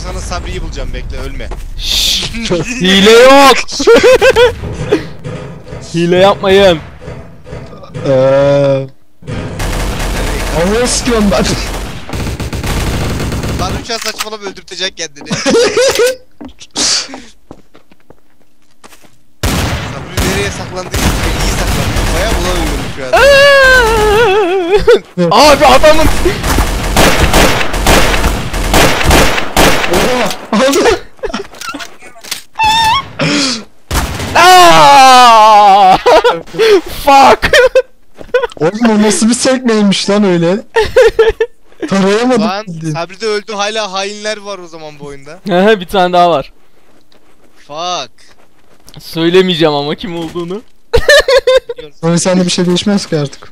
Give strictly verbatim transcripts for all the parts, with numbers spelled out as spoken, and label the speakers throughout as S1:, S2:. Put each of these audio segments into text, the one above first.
S1: sana Sabri'yi bulacağım, bekle, ölme.
S2: Hile yok. Hile yapmayın.
S3: Eee... Anı sıkıyorum ben.
S1: Lan uçağı saçmalama, öldürtecek kendini. Sabri nereye saklandıysa iyi saklandı. Bayağı bulamıyorum şu an.
S2: Abi adamın...
S3: Oha! Aldı!
S2: Aaaa! Fuck!
S3: Oğlum o nasıl bir sekmeymiş lan öyle? Tarayamadım.
S1: Lan Sabri de öldü, hala hainler var o zaman bu oyunda.
S2: Bir tane daha var.
S1: Fuck.
S2: Söylemeyeceğim ama kim olduğunu.
S3: Sonra sende bir şey değişmez ki artık.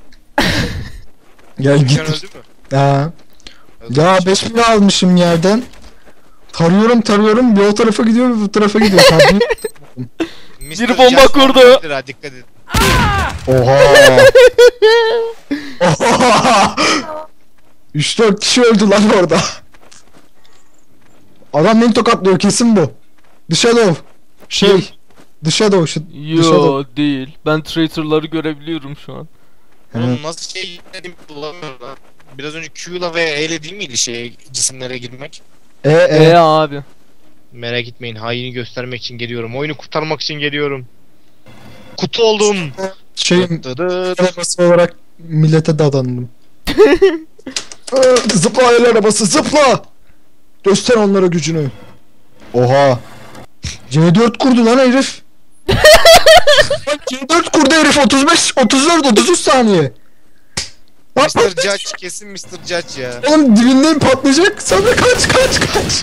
S3: Gel
S1: Sen
S3: git.
S1: öldü mü?
S3: Ha. Ya beş bin almışım yerden. Tarıyorum tarıyorum, bir o tarafa gidiyor bir bu tarafa gidiyor.
S2: Bir bomba kurdu.
S1: Dikkat et.
S3: Oha. Oha. üç dört kişi öldü lan orada. Adam beni tokatlıyor, kesin bu. The Shadow. Şey. The Shadow. Şu, The Shadow.
S2: Yo değil. Ben traitorları görebiliyorum şu an.
S1: Oğlum nasıl şey dedim bulamıyorum lan. Biraz önce Q'la ve E'le değil miydi şey cisimlere girmek?
S3: E
S2: E
S3: e.
S2: abi.
S1: Merak etmeyin, haini göstermek için geliyorum. Oyunu kurtarmak için geliyorum. Kutu oldum.
S3: Şeyim.
S1: Dıdıdıt.
S3: Arabası olarak millete dadandım. Zıpla el arabası, zıpla! Göster onlara gücünü. Oha. C dört kurdu lan herif. Bak C dört kurdu herif, otuz beş, otuz dört, otuz üç saniye. Bak,
S1: mister Judge, kesin mister Judge ya.
S3: oğlum dibindeyim, patlayacak. Sen de kaç kaç kaç.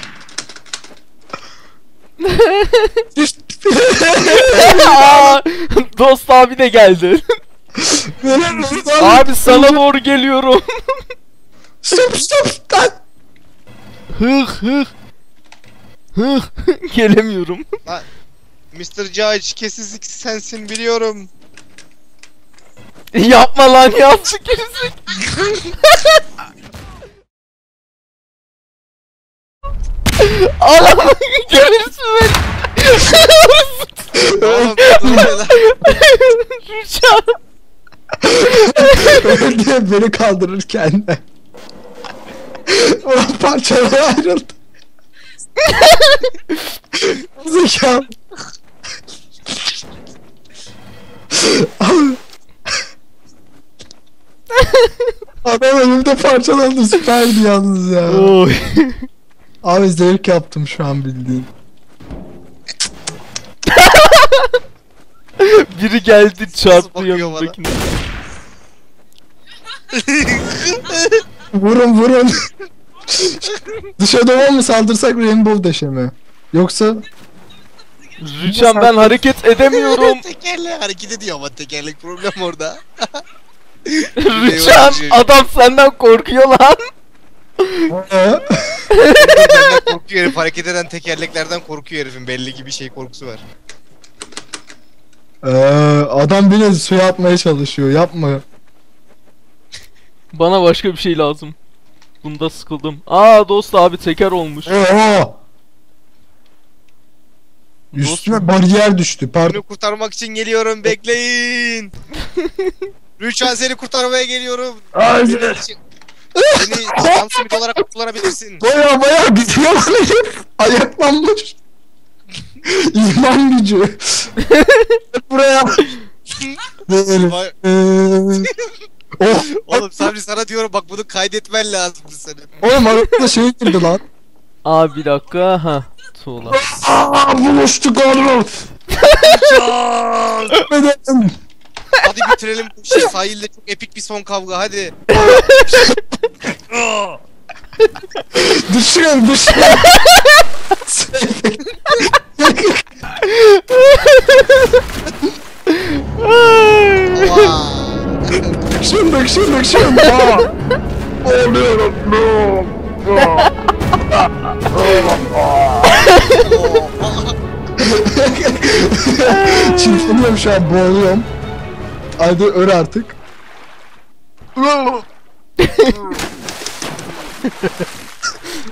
S2: Aa, Dost abi de geldi.
S3: abi.
S2: Abi sana doğru geliyorum.
S3: Stop stop lan.
S2: Hıh hıh. Hıh. Gelemiyorum.
S1: mister Judge, kesin sensin biliyorum.
S2: Yapma lan, yapsın kesin. Allah'ım gelirsin beni.
S1: Oğlum dur lan.
S2: Rüçhan.
S3: Öldü beni kaldırırken. Ulan parçalara ayrıldı. Zekam. Abi. Adam önümde parçalandı, süperdi yalnız ya.
S2: Oy.
S3: Abi zevk yaptım şu an bildiğin.
S2: Biri geldi çarptı
S1: bakıyor
S2: yanımdakine.
S3: Vurun vurun. Dışarıda mı saldırsak Rainbow Dash'e mi? Yoksa...
S2: Rüçhan ben hareket edemiyorum.
S1: Tekerlek hareket ediyor ama tekerlek problem orada.
S2: Rüçhan adam senden korkuyor lan.
S3: Ee?
S1: Benden korkuyor herif, hareket eden tekerleklerden korkuyor herifin, belli ki bir şey korkusu var.
S3: Ee, adam beni suya atmaya çalışıyor, yapma.
S2: Bana başka bir şey lazım. Bunda sıkıldım. Aa dost abi teker olmuş.
S3: Oha! Üstüme bariyer düştü, pardon.
S1: Bunu kurtarmak için geliyorum, bekleyin. Rüçhan, seni kurtarmaya geliyorum.
S3: Hayır.
S1: Seni Sam Smith olarak kullanabilirsin.
S3: Baya baya gidiyor lan herif. Ayaklanmış. İman gücü. Buraya.
S1: Vay-
S3: Oh.
S1: Oğlum Sabri, sana diyorum bak, bunu kaydetmen lazımdı senin.
S3: Oğlum arada şey girdi lan.
S2: Aa bir dakika ha. Tuğla.
S3: Aaa buluştuk oğlum. Neden?
S1: Hadi bitirelim bu işi, sahilde çok epik bir son kavga, hadi.
S3: Düşün düşün. Düşün düşün düşün. Oluyorum. Çırpınıyorum şu an, boğuluyorum. Hadi öl artık.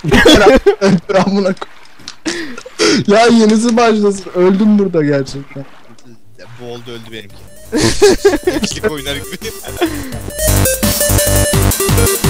S3: Öldür amına koy. Ya yenisi başlasın. Öldüm burada gerçekten.
S1: Bu oldu öldü benimki. İkilik oynar gibi.